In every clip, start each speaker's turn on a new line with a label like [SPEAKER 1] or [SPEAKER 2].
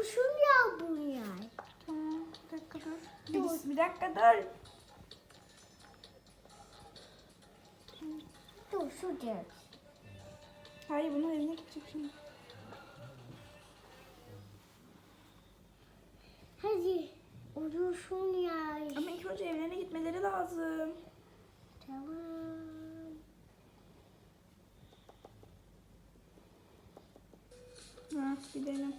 [SPEAKER 1] Uyusun ya bunlar.
[SPEAKER 2] Tamam, bir dakika dur. Bir dakika dur.
[SPEAKER 1] Dur şurada.
[SPEAKER 2] Hayır, bunun eline gidecek şimdi.
[SPEAKER 1] Hadi uyusun ya.
[SPEAKER 2] Ama ilk önce evlerine gitmeleri lazım.
[SPEAKER 1] Tamam.
[SPEAKER 2] Ha, gidelim.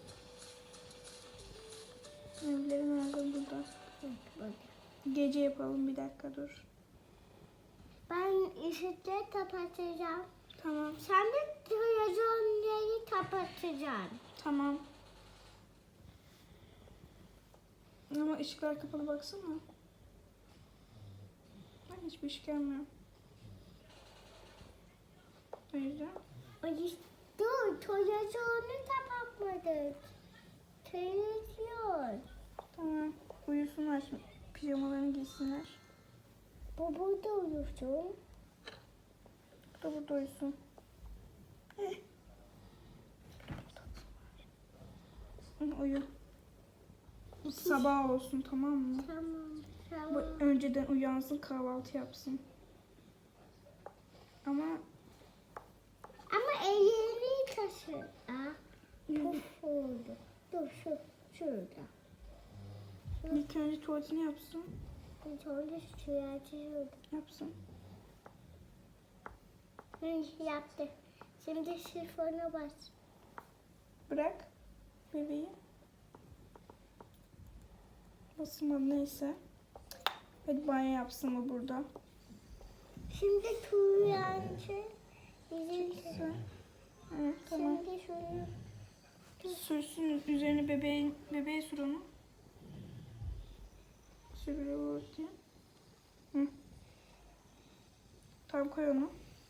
[SPEAKER 2] Evleri nerede? Burada.
[SPEAKER 1] Bak.
[SPEAKER 2] Gece yapalım, bir dakika dur.
[SPEAKER 1] Ben ışıkları kapatacağım.
[SPEAKER 2] Tamam.
[SPEAKER 1] Sen de televizyonları kapatacaksın.
[SPEAKER 2] Tamam. Ama ışıklar kapalı, baksana. Ben hiçbir ışık gelmiyor. O yüzden.
[SPEAKER 1] Dur, televizyonu kapatmadık. Televizyon.
[SPEAKER 2] Tamam. Uyusunlar şimdi. Pijamalarını giysinler.
[SPEAKER 1] Bu burada uyusun.
[SPEAKER 2] Bu da burada uyusun. Uyu. Sabah olsun, tamam mı?
[SPEAKER 1] Tamam,
[SPEAKER 2] Bu
[SPEAKER 1] tamam.
[SPEAKER 2] önceden uyansın, kahvaltı yapsın. Ama
[SPEAKER 1] Ama ellerini taşı. Puf oldu. Dur şurada.
[SPEAKER 2] ilk önce tuvaletini yapsın.
[SPEAKER 1] Sonra şurada şurada.
[SPEAKER 2] Yapsın.
[SPEAKER 1] Yaptı. Şimdi sifona bas.
[SPEAKER 2] Bırak bebeği. Basmadı, neyse. Hadi banyo yapsın mı burada?
[SPEAKER 1] Şimdi tuyancı. Bizim
[SPEAKER 2] Evet, tamam.
[SPEAKER 1] Şimdi şunu.
[SPEAKER 2] Sürsün üzerine bebeğe sür onu. Sür böyle ortaya. Hı. Tamam, koy onu.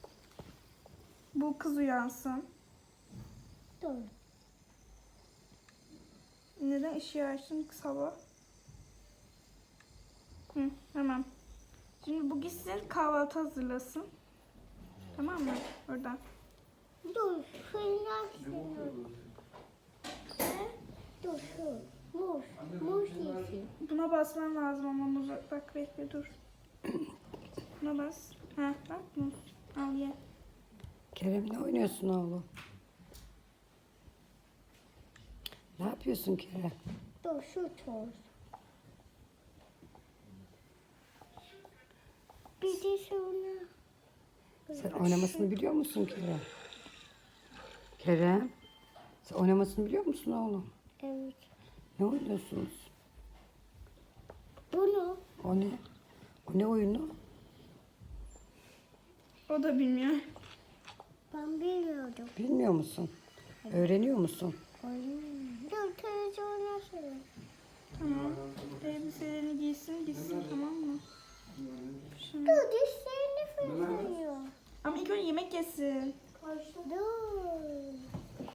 [SPEAKER 2] Bu kız uyansın.
[SPEAKER 1] Dur.
[SPEAKER 2] Neden ışığı açtın sabah? Hı, tamam. Şimdi bu gitsin, kahvaltı hazırlasın. Tamam mı? Oradan.
[SPEAKER 1] Dur. Fırına Dur şu. Muz. Muz yesin.
[SPEAKER 2] Buna basman lazım ama muz. Bak bekle, dur. Buna bas. Ha, bak muz. Al ye.
[SPEAKER 3] Kerem, ne oynuyorsun oğlum? Ne yapıyorsun Kerem?
[SPEAKER 1] Dur şu toz. Bir de sonra.
[SPEAKER 3] Sen oynamasını biliyor musun Kerem? Kerem, sen oynamasını biliyor musun oğlum?
[SPEAKER 1] Evet.
[SPEAKER 3] Ne oynuyorsunuz?
[SPEAKER 1] Bunu.
[SPEAKER 3] O ne? O ne oyunu?
[SPEAKER 2] O da bilmiyor.
[SPEAKER 1] Ben bilmiyordum.
[SPEAKER 3] Bilmiyor musun? Öğreniyor musun?
[SPEAKER 1] Dur televizyona söyle.
[SPEAKER 2] Tamam. Elbiselerini gitsin tamam mı? Şimdi.
[SPEAKER 1] Dur dişlerini fırlıyor.
[SPEAKER 2] Ama ilk önce yemek yesin.
[SPEAKER 1] Dur.